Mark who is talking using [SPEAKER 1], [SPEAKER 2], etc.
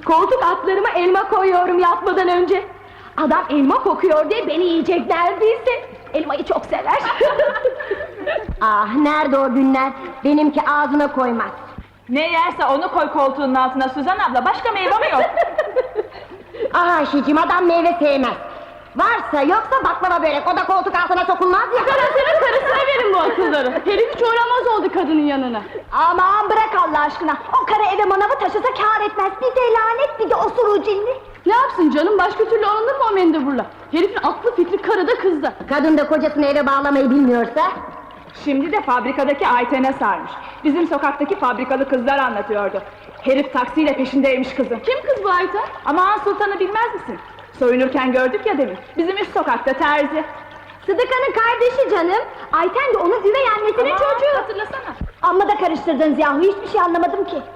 [SPEAKER 1] Koltuk altlarıma elma koyuyorum yatmadan önce. Adam elma kokuyor diye beni yiyecek neredeyse. Elmayı çok sever.
[SPEAKER 2] Ah, nerede o günler? Benimki ağzına koymaz.
[SPEAKER 3] Ne yerse onu koy koltuğunun altına Suzan abla, başka meyve mi yok?
[SPEAKER 2] Ah Ayşeciğim, adam meyve sevmez. Varsa yoksa baklava börek, o da koltuk altına sokulmaz ya.
[SPEAKER 1] Karısının karısına verin bu akılları. Herif hiç uğramaz oldu kadının yanına.
[SPEAKER 2] Aman bırak Allah aşkına, o karı eve manavı taşısa kâr etmez. Bir de lanet, bir de osuruğu cinli.
[SPEAKER 1] Ne yapsın canım, başka türlü alınır mı o mendeburla? Herifin aklı fikri karıda kızda.
[SPEAKER 2] Kadın da kocasını eve bağlamayı bilmiyorsa.
[SPEAKER 3] Şimdi de fabrikadaki Ayten'e sarmış. Bizim sokaktaki fabrikalı kızlar anlatıyordu. Herif taksiyle peşindeymiş kızın.
[SPEAKER 1] Kim kız bu Ayten?
[SPEAKER 3] Aman Sultan'ı bilmez misin? Soyunurken gördük ya demin. Bizim üst sokakta terzi.
[SPEAKER 2] Sıdıka'nın kardeşi canım. Ayten de onun üvey annesinin çocuğu.
[SPEAKER 3] Hatırlasana.
[SPEAKER 2] Amma da karıştırdınız yahu, hiçbir şey anlamadım ki.